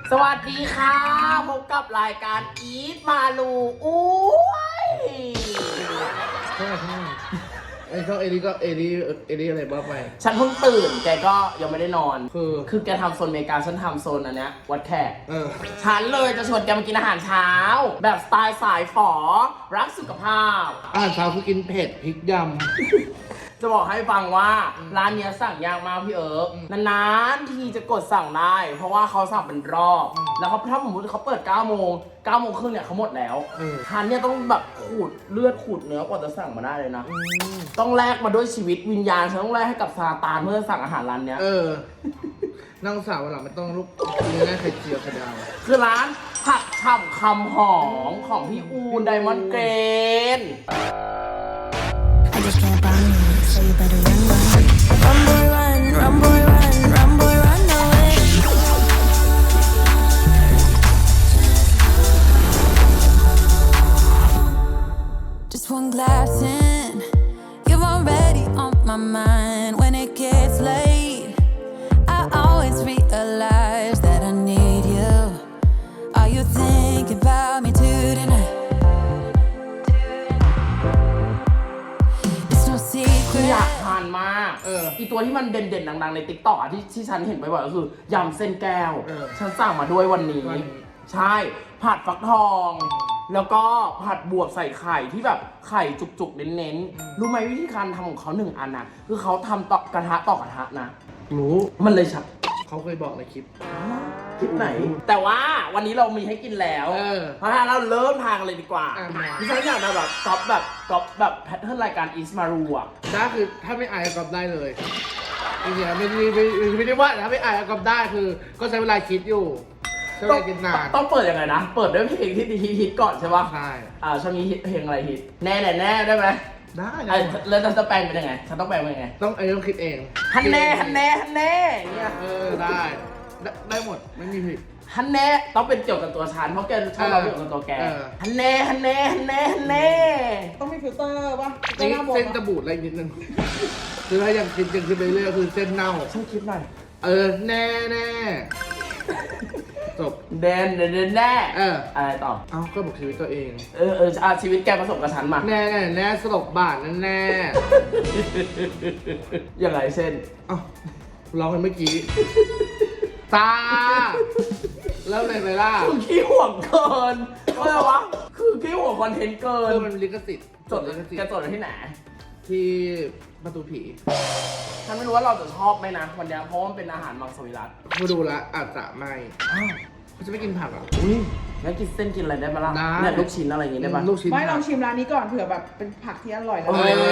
สวัสดีค่ะพบกับรายการอีทมาลูอุ้ยใช่ไอ้ช่องเอริก็เอริอะไรบ้าไปฉันเพิ่งตื่นแกก็ยังไม่ได้นอนคือแกทำโซนอเมริกาฉันทำโซนอันเนี้ยวัดแขกฉันเลยจะชวนแกมากินอาหารเช้าแบบสไตล์สายฝอรักสุขภาพอาหารเช้าคือกินเผ็ดพริกยำจะบอกให้ฟังว่าร้านเนี้ยสั่งยากมากพี่นานๆที่จะกดสั่งได้เพราะว่าเขาสั่งเป็นรอบแล้วเขาถ้าสมมติเขาเปิด9 โมงครึ่งเนี่ยเขาหมดแล้วทันเนี่ยต้องแบบขูดเลือดขูดเนื้อกว่าจะสั่งมาได้เลยนะต้องแลกมาด้วยชีวิตวิญญาณฉันต้องแลกให้กับซาตานเพื่อสั่งอาหารร้านเนี้ยนั่งสาววันหลังไม่ต้องลุกกินได้ไข่เจียวไข่ดาวคือร้านผักฉ่ำคำหอมของพี่อูนไดมอนด์เกรน I just can't buy me, so you better run, run. Run, boy, run, run, boy, run, run, boy, run away. Just one glass in, you're already on my mind. When it gets late, I always realize that I need you. Are you thinking about me tonight? คืออยากทานมากอีตัวที่มันเด่นๆดังๆในติ๊กต็อกที่ฉันเห็นบ่อยๆก็คือยำเส้นแก้วฉันสั่งมาด้วยวันนี้ใช่ผัดฟักทองแล้วก็ผัดบวบใส่ไข่ที่แบบไข่จุกๆเน้นๆรู้ไหมวิธีการทำของเขา1 อันนะคือเขาทำต่อกระทะนะรู้มันเลยชัดเขาเคยบอกในคลิปไหนแต่ว่าวันนี้เรามีให้กินแล้วเพราะฉะนั้นเราเริ่มทางกันเลยดีกว่าดิฉันอยากจะแบบก๊อปแบบแพทเทิร์นรายการอีสมารูอ่ะได้คือถ้าไม่อายก๊อปได้เลยจริงๆไม่ได้ว่าถ้าไม่อายก๊อปได้คือก็ใช้เวลาคิดอยู่ใช้เวลาคิดนานต้องเปิดยังไงนะเปิดด้วยเพลงที่ฮิตก่อนใช่ป่ะใช่ช่วงนี้เพลงอะไรฮิตแน่ได้ไหมได้แล้วฉันจะแปลงเป็นยังไงฉันต้องแปลงเป็นยังไงต้องคิดเองฮันแน่เนี่ยได้หมดไม่มีผิดฮันแน่ต้องเป็นเกี่ยวกับตัวฉันเพราะแกชอบเราเกี่ยวกับตัวแกฮันแน่ต้องมีฟิลเตอร์ป่ะเส้นจะบูดอะไรนิดนึงคือถ้ายังคิดไปเรื่อยคือเส้นเน่าช่วยคิดหน่อยแน่จบแน่อะไรต่อก็บอกชีวิตตัวเองชีวิตแกผสมกับฉันมาแน่สลบบาทแน่ยังไงเส้นร้องกันเมื่อกี้ตาแล้วอะไรไปล่ะคือขี้ห่วงเกินอะไรวะคือขี้ห่วงคอนเทนต์เกินมันลิขสิทธิ์จดที่ไหนที่ประตูผีฉันไม่รู้ว่าเราจะชอบไหมนะวันนี้เพราะมันเป็นอาหารมังสวิรัติมาดูละอาจจะไม่เขาจะไม่กินผักแล้วกินเส้นกินอะไรได้ไหมล่ะเนี่ยลูกชิ้นอะไรอย่างงี้ได้ปะลูกชิ้นไม่ลองชิมร้านนี้ก่อนเผื่อแบบเป็นผักที่อร่อยแล้ว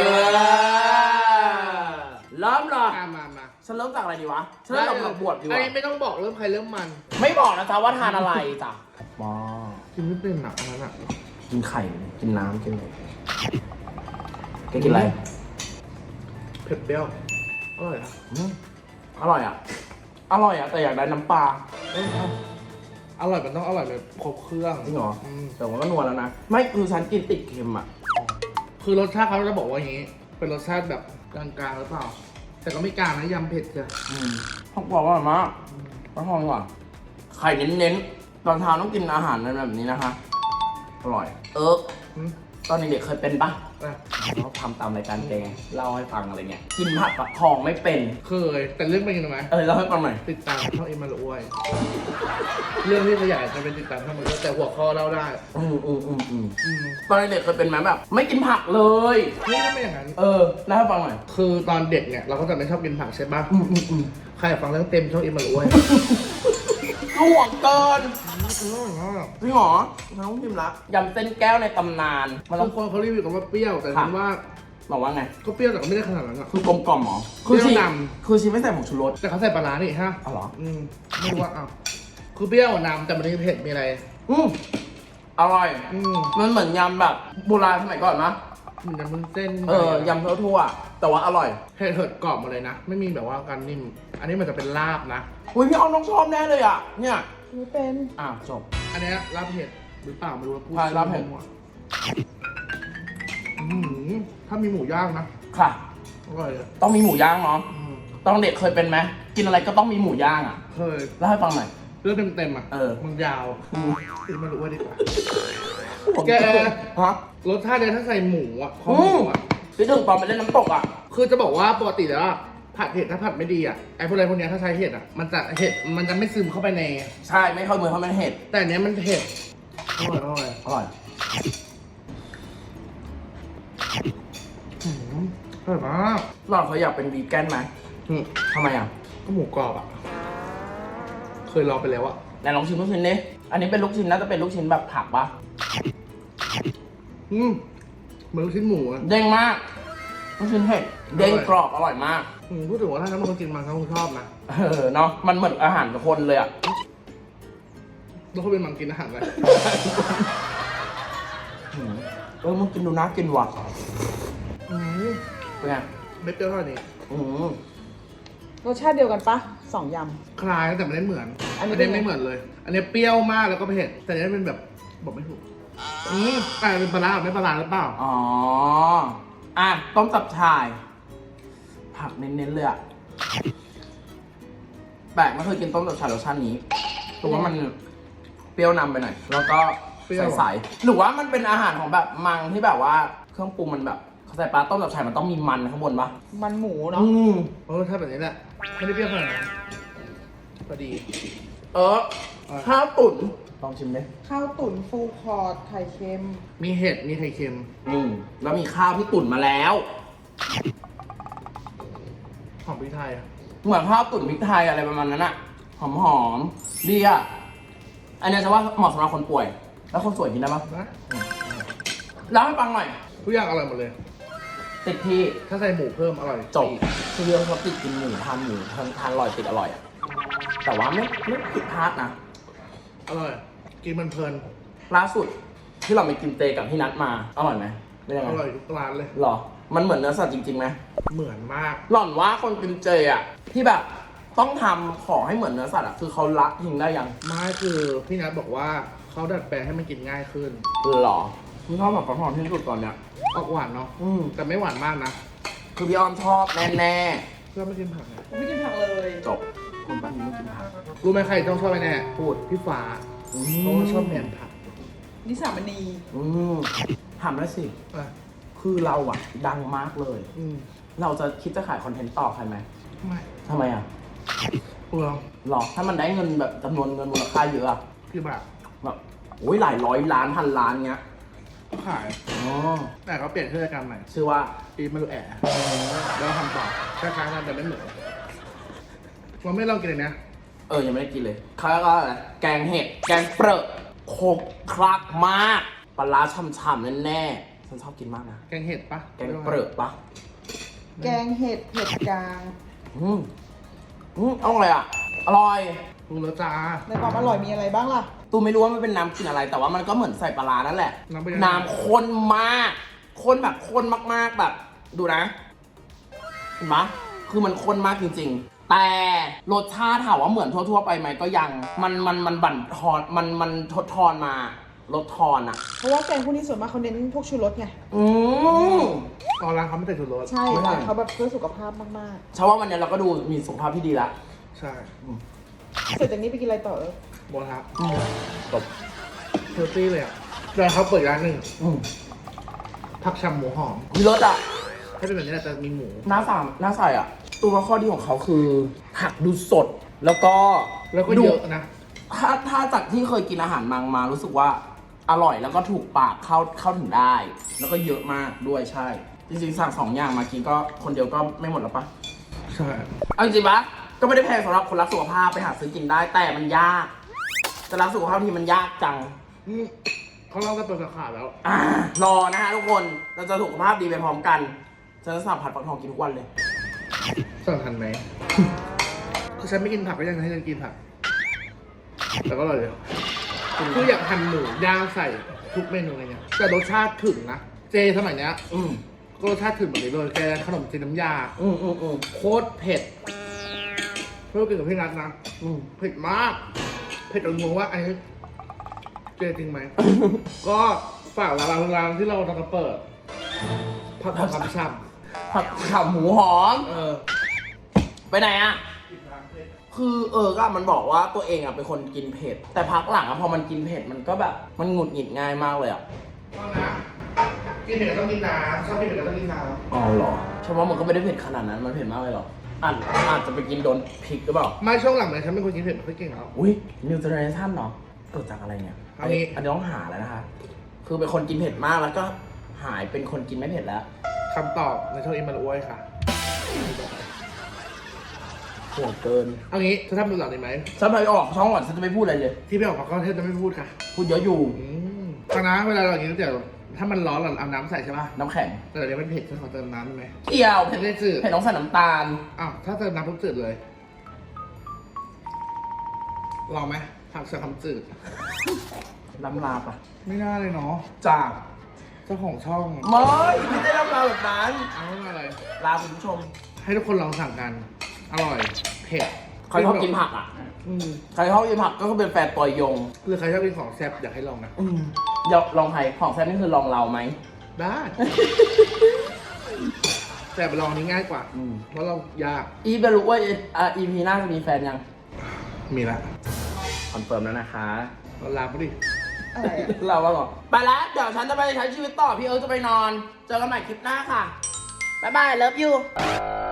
เริ่มเลยมาฉันเริ่มจากอะไรดีวะฉันเริ่มจากผักบวบดีวะไม่ต้องบอกเริ่มใครเริ่มมันไม่บอกนะจ๊ะว่าทานอะไรจ้ะกินไม่เป็นหนักนั่นอ่ะกินไข่กินน้ำกินอะไรแกกินอะไรเผ็ดเปรี้ยวอร่อยอ่ะอร่อยแต่อยากได้น้ำปลาอร่อยมันต้องอร่อยแบบครบเครื่องจริงเหรอแต่ว่าก็นัวแล้วนะไม่คือฉันกินติดเค็มอ่ะคือรสชาติเขาจะบอกว่าอย่างนี้เป็นรสชาติแบบกลางๆหรือเปล่าแต่ก็ไม่กลางนะยำเผ็ดจ้ะผักบอกว่าอร่อยมากผักหอมกว่าไข่เน้นๆตอนเช้าต้องกินอาหารแบบนี้นะคะอร่อยตอนเด็กๆเคยเป็นปะเราทำตามรายการแกเล่าให้ฟังอะไรเงี้ยกินผัดฟักทองไม่เป็นเคยแต่เรื่องเป็นยังไงเล่าให้ฟังหน่อยติดตามช่องอิมาลอ้วยเรื่องที่ขยายจะเป็นติดตามช่องมันก็แต่หัวข้อเล่าได้ตอนเด็กเคยเป็นไหมแบบไม่กินผักเลยไม่อย่างนั้นเล่าให้ฟังหน่อยคือตอนเด็กเนี่ยเราก็จะไม่ชอบกินผักใช่ปะใครอยากฟังเรื่องเต็มช่องอิมาลอ้วยห่วงเกินจริงเหรอฉันต้องชิมละยำเส้นแก้วในตำนานบางคนเขารีวิวกันว่าเปรี้ยวแต่ฉันว่าบอกว่าไงก็เปรี้ยวแต่ก็ไม่ได้ขนาดนั้นอ่ะคือกลมกล่อมหรอคือชีไม่ใส่ผงชูรสแต่เขาใส่ปลาร้านี่ฮะอ๋อเหรอไม่รู้ว่าคือเปรี้ยวนำแต่มันไม่เผ็ดมีอะไรอร่อยมันเหมือนยำแบบโบราณสมัยก่อนนะยำมันเส้นยำทั่วๆแต่ว่าอร่อยเผ็ดกรอบมาเลยนะไม่มีแบบว่าการนิ่มอันนี้มันจะเป็นลาบนะพี่เอาน้องชอบแน่เลยอ่ะเนี่ยไม่เป็นจบอันนี้ลาบเผ็ดหรือเปล่าไม่รู้ว่าพูดลาบเผ็ดถ้ามีหมูย่างนะค่ะอร่อยเลยต้องมีหมูย่างเนาะตอนเด็กเคยเป็นไหมกินอะไรก็ต้องมีหมูย่างอ่ะเคยเล่าให้ฟังหน่อยเรื่องเต็มๆอ่ะเออมันยาวไม่รู้ว่าดีกว่าผมแกฮะรสชาติเนี่ยถ้าใส่หมูอ่ะคอหมูอ่ะพี่ถึงตอนไปเล่นน้ำตกอ่ะคือจะบอกว่าปกติแล้วอะผัดเห็ดถ้าผัดไม่ดีอ่ะไอ้พวกอะไรพวกเนี้ยถ้าใช้เห็ดอ่ะมันจะไม่ซึมเข้าไปในใช่ไม่เข้ามือเพราะมันเห็ดแต่อันเนี้ยมันเผ็ดอร่อยอร่อยอร่อยมากหล่อนเขาอยากเป็นวีแกนไหมอืมทำไมอ่ะก็หมูกรอบอ่ะเคยลองไปแล้วอ่ะไหนลองชิมลูกชิ้นดิอันนี้เป็นลูกชิ้นน่าจะเป็นลูกชิ้นแบบผักปะเหมือนลูกชิ้นหมูอ่ะเด้งมากลูกชิ้นเห็ดเด้งกรอบอร่อยมากพูดถึงว่าถ้าน้ำมันกินมันเขาคงชอบนะเนาะมันเหมือนอาหารคนเลยอ่ะแล้วเขาเป็นมังกินอาหารอะไรมึงกินดูนะกินว่ะ เป็นไงไม่เปรี้ยวเท่านี้รสชาติเดียวกันปะสองยคล้ายแต่ไม่ได้เหมือนอันนี้ไม่ได้ไม่เหมือนเลย อันนี้เปรี้ยวมากแล้วก็เผ็ดแต่อันนี้เป็นแบบบอกไม่ถูกเป็นปลาร้าไม่ปลาร้าหรือเปล่าอ๋อ อ่ะ ต้มตับชาย ผักเน้นๆเลยอ่ะ แปลกไม่เคยกินต้มตับชายรสชาตินี้แต่ว่ามันเปรี้ยวนำไปหน่อย แล้วก็ใสๆหรือว่ามันเป็นอาหารของแบบมังที่แบบว่าเครื่องปรุงมันแบบเขาใส่ปลาต้มตับชายมันต้องมีมันข้างบนปะำมันหมูเนาะถ้าแบบนี้แหละไม่ได้เปรี้ยวขนาดนั้นพอดีข้าวตุ๋นลองชิมดิข้าวตุ๋นฟูลคอร์ดไข่เค็มมีเห็ดมีไข่เค็มแล้วมีข้าวที่ตุ๋นมาแล้วหอมพริกไทยอ่ะเหมือนข้าวตุ๋นพริกไทยอะไรประมาณนั้นอะหอมๆดีอะอันนี้จะว่าเหมาะสำหรับคนป่วย แล้วคนสวยกินได้ปะนะเล่าให้ฟังหน่อยทุกอย่างอร่อยหมดเลยติดที่ถ้าใส่หมูเพิ่มอร่อยจบคือเรื่องเขาติดกินหมูทานอร่อยติดอร่อยอะแต่ว่าไม่ผิดพลาดนะอร่อย กินมันเพลินล่าสุดที่เราไปกินเจกับพี่นัทมาอร่อยไหมเป็นยังไงอร่อยทุกร้านเลยหรอ มันเหมือนเนื้อสัตว์จริงๆไหมเหมือนมากหล่อนว่าคนกินเจอะที่แบบต้องทำของให้เหมือนเนื้อสัตว์อะคือเขาละทิ้งได้ยังไม่คือพี่นัทบอกว่าเขาดัดแปลงให้มันกินง่ายขึ้นหรอพี่ชอบแบบกระเพาะที่สุดตอนเนี้ยออกหวานเนาะแต่ไม่หวานมากนะคือพี่อ้อมชอบแน่เพื่อไม่กินผักไงผมไม่กินผักเลยๆจบคนบ้านนี้ไม่กินผักรู้ไหมใครต้องชอบไปแน่พูดพี่ฟ้าเพราะว่าชอบแหนมผักนิสามณีถามแล้วสิอ่ะคือเราอะดังมากเลยอืมเราจะคิดจะขายคอนเทนต์ต่อใครไหมไม่ทำไมอะเปลืองหรอถ้ามันได้เงินแบบจำนวนเงินมูลค่าเยอะอะกี่บาทแบบโอ้ยหลายร้อยล้านพันล้านเงี้ยก็ขายอ๋อแต่เขาเปลี่ยนชื่อรายการใหม่ชื่อว่าปีมาดูแอะแล้วทำต่อคล้ายๆกันแต่ไม่เหมือนเราไม่ลองกินเลยนะยังไม่ได้กินเลยเขาก็อะไรแกงเห็ดแกงเปรอะโคกคลักมากปลาร้าฉ่ำๆแน่ๆฉันชอบกินมากนะแกงเห็ดปะแกงเปรอะปะแกงเห็ดเผ็ดกลางอร่อยอ่ะ อร่อยรู้แล้วจ้าในความอร่อยมีอะไรบ้างล่ะตูไม่รู้ว่ามันเป็นน้ำกลิ่นอะไร แต่ว่ามันก็เหมือนใส่ปลาร้านั่นแหละน้ำเป็นยังไงน้ำข้นมากข้นแบบข้นมากๆแบบ ดูนะเห็นปะคือมันข้นมากจริงๆ แต่รสชาติถามว่าเหมือนทั่วๆไปไหมก็ยังมันบั่นทอนมันทดทอนมาลดทอนอ่ะเพราะว่าแกงพวกนี้ส่วนมากเขาเน้นพวกชูรสไงตอนร้านเขาไม่ใส่ชูรสใช่ไม่ใช่เขาแบบเพื่อสุขภาพมากเชื่อว่าวันนี้เราก็ดูมีสุขภาพที่ดีละใช่ๆ เสร็จจากนี้ไปกินอะไรต่อโบทับจบเฮลตี้เลยอ่ะแล้วเขาเปิดร้านหนึ่งผักชำหมูหอมมีรสอ่ะให้เป็นแบบนี้แหละแต่มีหมูหน้าใส่อ่ะ ตัวข้อดีของเขาคือผักดูสด แล้วก็แล้วก็ดูเยอะนะถ้าจากที่เคยกินอาหารมังมารู้สึกว่าอร่อยแล้วก็ถูกปากเข้าถึงได้ แล้วก็เยอะมากด้วยใช่ จริงๆสั่งสองอย่างมากินก็คนเดียวก็ไม่หมดแล้วปะใช่เอาจริงๆปะก็ไม่ได้แพงสำหรับคนรักสุขภาพไปหาซื้อกินได้ แต่มันยากจะรักสุขภาพที่มันยากจังเขาเล่ากันเปิดสาขาแล้วรอนะฮะทุกคนเราจะสุขภาพดีไปพร้อมกันฉันจะสั่งผัดฟักทองกินทุกวันเลยสั่งทันไหม คือฉันไม่กินผักก็ยังให้ฉันกินผัก แต่ก็อร่อยเลยคืออยากหั่นหมูย่างใส่ทุกเมนูอะไรเงี้ยแต่รสชาติถึงนะ เจสมัยเนี้ย ก็รสชาติถึงแบบนี้เลยแกขนมจีนน้ำยาโคตรเผ็ดเพื่อกินกับพี่นัทนะเผ็ดมาก เผ็ดจนงงว่าไอ้เจจริงไหม ก็ฝากร้านที่เราจะเปิดผัดผักช่ำผัดขาหมูหอมๆไปไหนอะคือก็มันบอกว่าตัวเองอะเป็นคนกินเผ็ด แต่พักหลังอะพอมันกินเผ็ดมันก็แบบมันหงุดหงิดง่ายมากเลยอะต้องนะกินเผ็ดก็ต้องกินน้ำชอบกินเผ็ดก็ต้องกินน้อ๋อเหรอฉันว่ามันก็ไม่ได้เผ็ดขนาดนั้น มันเผ็ดมากเลยเหรออาจจะไปกินโดนพริกหรือเปล่าำไม่ช่วงหลังเลยฉันเป็นคนกินเผ็ดไม่ค่อยเก่งแล้วอุ้ยนิวเจเนอเรชั่นเนาะเกิดจากอะไรเนี่ยเอางี้อันนี้ต้องหาแล้วนะคะ คือเป็นคนกินเผ็ดมากแล้วก็หายเป็นคนกินไม่เผ็ดแล้วคำตอบในช่วงนี้มันอ้วยค่ะห่วงเกินเอางี้จะทำดูหลังได้ไหมฉันไปออกช่องก่อนฉันจะไม่พูดอะไรเลยที่พี่ออกมาก็เทศจะไม่พูดค่ะพูดเยอะอยู่ฟังนะเวลาเรากินก๋วยเตี๋ยวถ้ามันร้อนเราเอาน้ำใส่ใช่ป่ะน้ำแข็งแต่เดี๋ยวมันเผ็ดฉันขอเติมน้ำได้ไหมเกี่ยวเผ็ดได้จืดเผ็ดต้องใส่น้ำตาลอ้าวถ้าเติมน้ำปุ๊บจืดเลยลองไหมผักใส่คำจืดลำลาปะไม่น่าเลยเนาะจากเจ้าของช่องไม่ได้ลำลาแบบนั้นเอาอะไรลาคุณผู้ชมให้ทุกคนลองสั่งกัน อร่อย เผ็ดใครชอบกินผักอ่ะอืมใครชอบกินผักก็คือเป็นแฟนตัวยงหรือใครชอบกินของแซ่บอยากให้ลองนะอยากลองใครของแซ่บนี่คือลองเราไหมได้ แต่ไปลองอันนี้ง่ายกว่า เพราะเรายากอีไปรู้ว่าEP หน้าจะมีแฟนยังมีละคอนเฟิร์มแล้วนะคะเราลาไปดิอะไรอะเราว่าก่อนไปแล้ว เดี๋ยวฉันจะไปใช้ชีวิตต่อ พี่เอิร์ธจะไปนอน เจอกันใหม่คลิปหน้าค่ะ บ๊ายบาย เลิฟยู